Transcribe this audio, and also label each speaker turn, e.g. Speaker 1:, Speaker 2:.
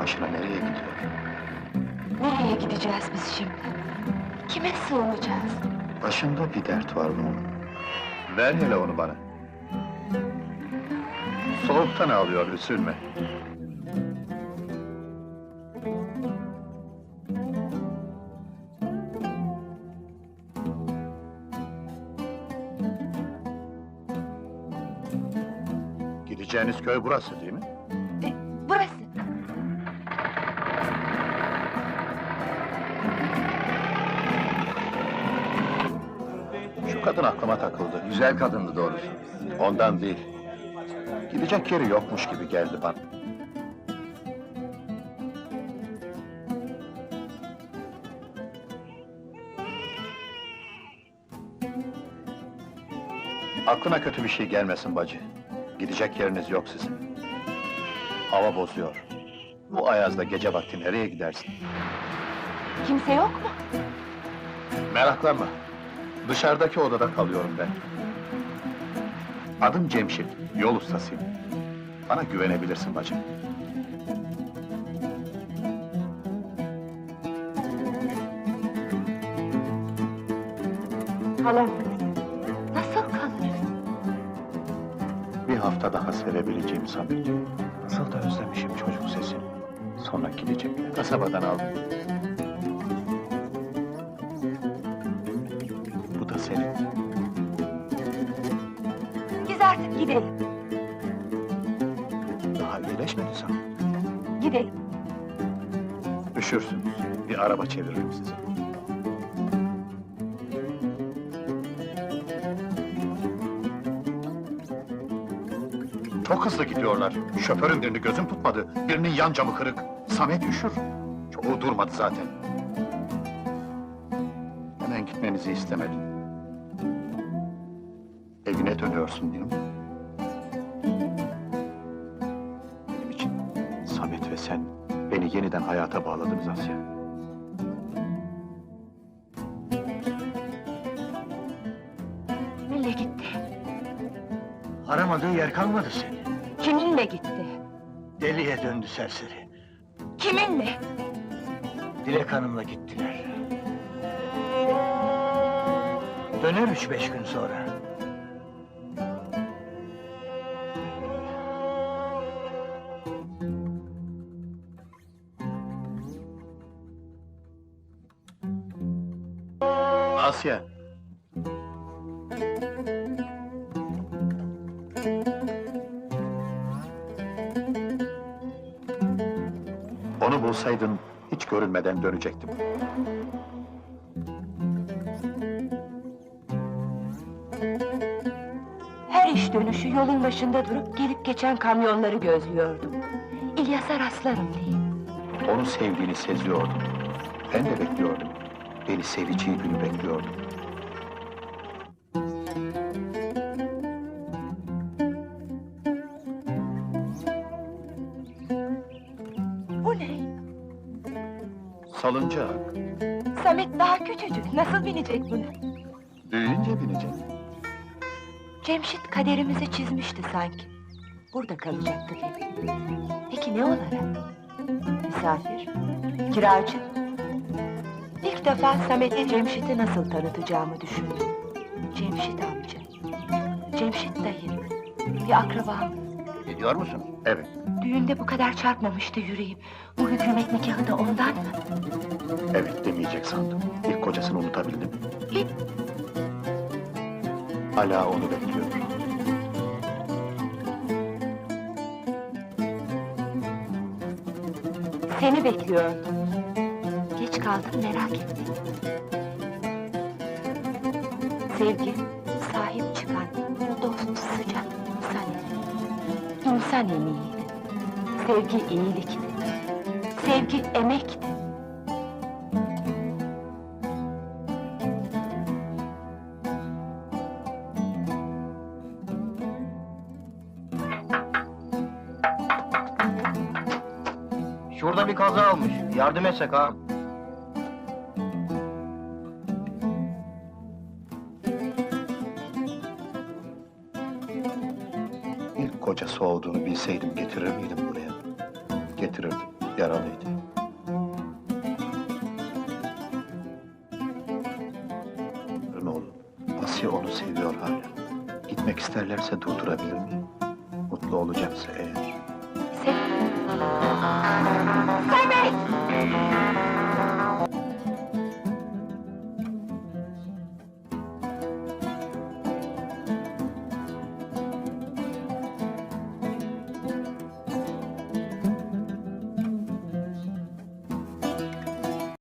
Speaker 1: başına nereye gidiyor?
Speaker 2: Nereye gideceğiz biz şimdi? Kime sığınacağız?
Speaker 1: Başında bir dert var bunun. Ver hele onu bana. Soğuktan ağlıyor, üzülme. Gideceğiniz köy burası değil mi?
Speaker 2: Burası.
Speaker 1: Şu kadın aklıma takıldı.
Speaker 3: Güzel kadındı doğrusu.
Speaker 1: Ondan değil. Gidecek yeri yokmuş gibi geldi bana. Aklına kötü bir şey gelmesin bacı. Gidecek yeriniz yok sizin. Hava bozuyor. Bu ayazda gece vakti nereye gidersin?
Speaker 2: Kimse yok mu?
Speaker 1: Meraklanma. Dışarıdaki odada kalıyorum ben. Adım Cemşit, yol ustasıyım. Bana güvenebilirsin bacım.
Speaker 2: Kalamaz. Nasıl kalırız?
Speaker 1: Bir hafta daha sevebileceğim Samet. Nasıl da özlemişim çocuk sesini. Sonra gidecek. Kasabadan aldım. Bu da senin.
Speaker 2: Biz artık gidelim.
Speaker 1: Daha iyileşmedi sen.
Speaker 2: Gidelim.
Speaker 1: Üşürsünüz. Bir araba çeviririm size. Çok hızlı gidiyorlar. Şoförün birini gözüm tutmadı. Birinin yan camı kırık. Samet üşür. Çoğu durmadı zaten. Hemen gitmenizi istemedim. Evine dönüyorsun değil mi? Benim için Samet ve sen beni yeniden hayata bağladınız Asya.
Speaker 2: Kiminle gitti?
Speaker 4: Aramadığı yer kalmadı seni.
Speaker 2: Kiminle gitti?
Speaker 4: Deliye döndü serseri.
Speaker 2: Kiminle?
Speaker 4: Dilek Hanım'la gittiler. Döner 3-5 gün sonra.
Speaker 1: Asya! Onu bulsaydın, hiç görünmeden dönecektim.
Speaker 2: Her iş dönüşü yolun başında durup gelip geçen kamyonları gözlüyordum. İlyas'a rastlarım diye.
Speaker 1: Onu sevdiğini seziyordum. Ben de bekliyordum. Beni seveceği günü bekliyordum.
Speaker 2: Bu ne?
Speaker 1: Salıncak.
Speaker 2: Samet daha küçücük, nasıl binecek buna?
Speaker 1: Büyüyünce binecek.
Speaker 2: Cemşit kaderimizi çizmişti sanki. Burada kalacaktık hep. Peki ne olarak? Misafir, kiracı. İlk defa Samet'e Cemşit'i nasıl tanıtacağımı düşündüm. Cemşit amca, Cemşit dayı, bir akrabam.
Speaker 3: Gidiyor musun?
Speaker 1: Evet.
Speaker 2: Düğünde bu kadar çarpmamıştı yüreğim. Bu hükümet nikahı da ondan mı?
Speaker 1: Evet demeyecek sandım. İlk kocasını unutabildim.
Speaker 2: Hiç.
Speaker 1: Hala onu bekliyor.
Speaker 2: Seni bekliyordum. Geç kaldım, merak ettim. Sevgi, sahip çıkan, dost, sıcak insan. İnsan emeğiydi. Sevgi iyilikti. Sevgi emekti.
Speaker 3: Şurada bir kaza olmuş. Yardım etsek ha.
Speaker 1: İlk kocası olduğunu bilseydim getirir miydim buraya? Getirirdim. Yaralıydı. Oğlum, Asiye onu seviyor hala. Gitmek isterlerse durdurabilir miyim? Mutlu olacaksa eğer.
Speaker 2: Sen... Sermet!